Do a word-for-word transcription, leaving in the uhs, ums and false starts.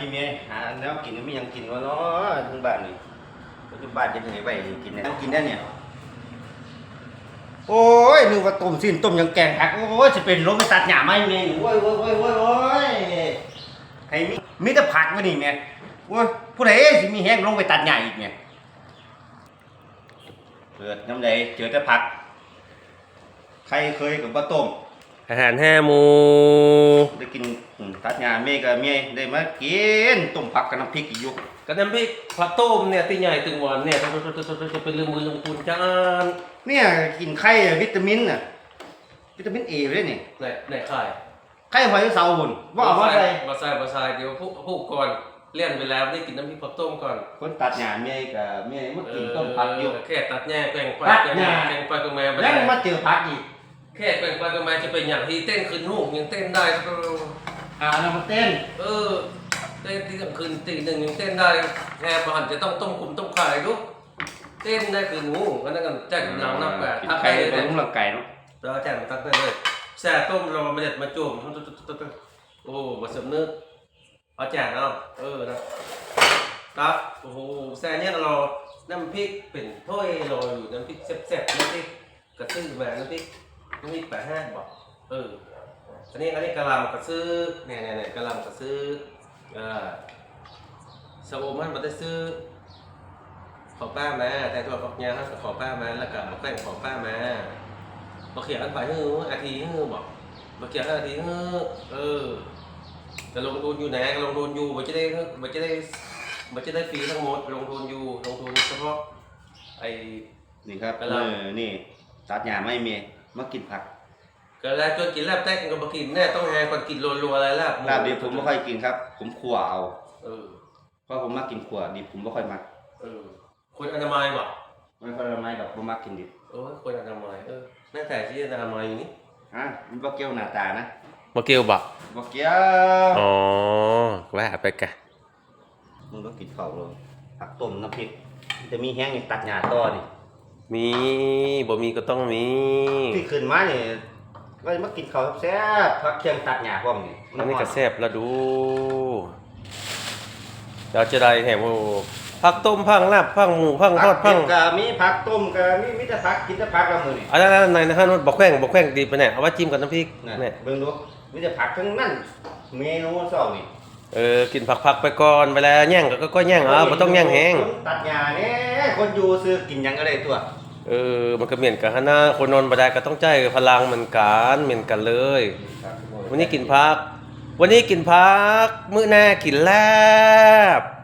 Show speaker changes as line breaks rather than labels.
เมียหาแล้วกินไม่ยังกินวะเนาะทั้งบ้านนี่ปัจจุบันจะไหนไปกินเนี่ยกินได้เนี่ยโอ้ยนึกว่าต้มสิ้นต้มยังแกงผักโอ้ยจะเป็นลมไปตัดหญ้าไหมเมียโอ้ยโอ้ยโอ้ยโอ้ยโอ้ยไอ้มีมีแต่ผักมานี่เมียโอ้ยผู้ใดสิมีแห้งลงไปตัดหญ้าอีกเมียเกิดน้ำใดเจอแต่ผักใครเคยกับปลาต้ม
อาหารห้าหมู
ได้กินตัดหญ้าเมย์กับเมียได้มากินต้มผักกับน้ำพริกอีกอยู่
กับน้ำพริกผักต้มเนี่ยตีใหญ่ตึงหวานเนี่ยจะเป็นลืมมือลืมคุณจาน
เนี่ยกินไข่วิตามินน่ะวิตามินเอเลยนี่
ไหนไหนไข่
ไข่หอยเสาหุ่นว่าเอามาใส่
มาใส่มาใส่เดี๋ยวพูพูก่อนเลี้ยนไปแล้วได้กินน้ำพริกผักต้มก่อน
คนตัดหญ้าเมียกับเมียมันกินต้มผักอยู่
แค่ตัดแง่แกงไป
แกง
ไปกับแม่
แล้วมาเจอผักอีก
แค่แกงไปกับแม่จะเป็นอย่างที่เต้นคืนหูยังเต้นได้
อ่าเรามาเต้น
เออเต้นที่กลางคืนตีหนึ่งยังเต้นได้แง่ประหันจะต้องต้มคุมต้มไข่ดูเต้นได้คืนหูก็นั่นกันแจ้งหลังนับแบบ
กินไข่ไปลุ้มหลังไก่เนาะ
แล้วแจ้งมาตั้งได้เลยแช่ต้มเรามาเด็ดมาจุ่มโอ้บะสมนึกเอาแจกเอาเออนะครับโอ้โหแซ่เนี่ยเราน้ำพริกเป็นถ้วยลอยอยู่น้ำพริกแซ่บๆน้ำพริกกระซื้อมาน้ำพริกน้ำพริกแปดห้าบอกเอออันนี้อันนี้กะหล่ำกระซื้อเนี่ยเนี่ยเนี่ยกะหล่ำกระซื้อเออสโอมันมาได้ซื้อขอป้ามาแต่ตัวฝักยาเขาขอป้ามาแล้วก็แป้งขอป้ามาบอกเขียนอันไปฮืออาทิฮือบอกบอกเขียนอาทิฮือเออจะลงทุนอยู่ไหนลงทุนอยู่มันจะได้มันจะได้มันจะได้ฟรีทั้งหมดลงทุนอยู่ลงทุนเฉพาะไอ้
นี่ครับเออนี่ตัดหญ้าไม่เมียมากินผัก
ก็แล้วจนกินลาบแตกกับกินแน่ต้องแห่ก่อนกินรัวๆอะไรลาบ
ลาบดิบผมไม่ค่อยกินครับผมขั่วเอา
เออ
เพราะผมมักกินขั่วดิบผมไม่ค่อยมัก
เออคนอนามัยบ่
ไม่ค่อยอนามัยดอกผมมักกินดิบ
เออคนอนามัยเออแม่แต่ที่อนามัยอยู่นี่
ฮะมันบ่เกี่ยวหน้าตานะ
บ่เกี่ยวบ่
บ่เกี่ยว
อ๋อว่าไปกะ
มึงต้องกินข้าวเลยผักต้มน้ำพริกจะมีแห้งตัดหญ้าต่อนี่
มีบ่มีก็ต้องมี
ที่ขึ้นมาเนี่ยก็มากินข้าวแซ่บผักเคียงตัดหญ้าพร้อมนี่
อันนี้ก็แซ่บแล้วดูเราจะได้แหมผักต้มผักลาบผักหมูผักทอดผัก
ก็มีผักต้มก็มีมีแต่ผักกินแต่ผักละมื้อนี่
อันนั้นในนะฮะบ่แข้งบ่แข้งดีปะเนี่ยเอาไว้จิ้มกับน้ำพริก
เนี่ยเบิ่งดูมีแต่ผักทั้งนั้นเมนูเช้านี่
เออกินผักๆไปก่อนเวลาแย่งก็ก็แย่งเอาบ่ต้องแย่งแห้ง
ตัดหญ้าแน่คนอยู่ซื้อกินหยังก็ได้ตัว
เออมันก็เหมือนกันหั่นนะคนนอนบ่ได้ก็ต้องใจพลังเหมือนกันเหมือนกันเลยวันนี้กินผักวันนี้กินผักมื้อหน้ากินลาบ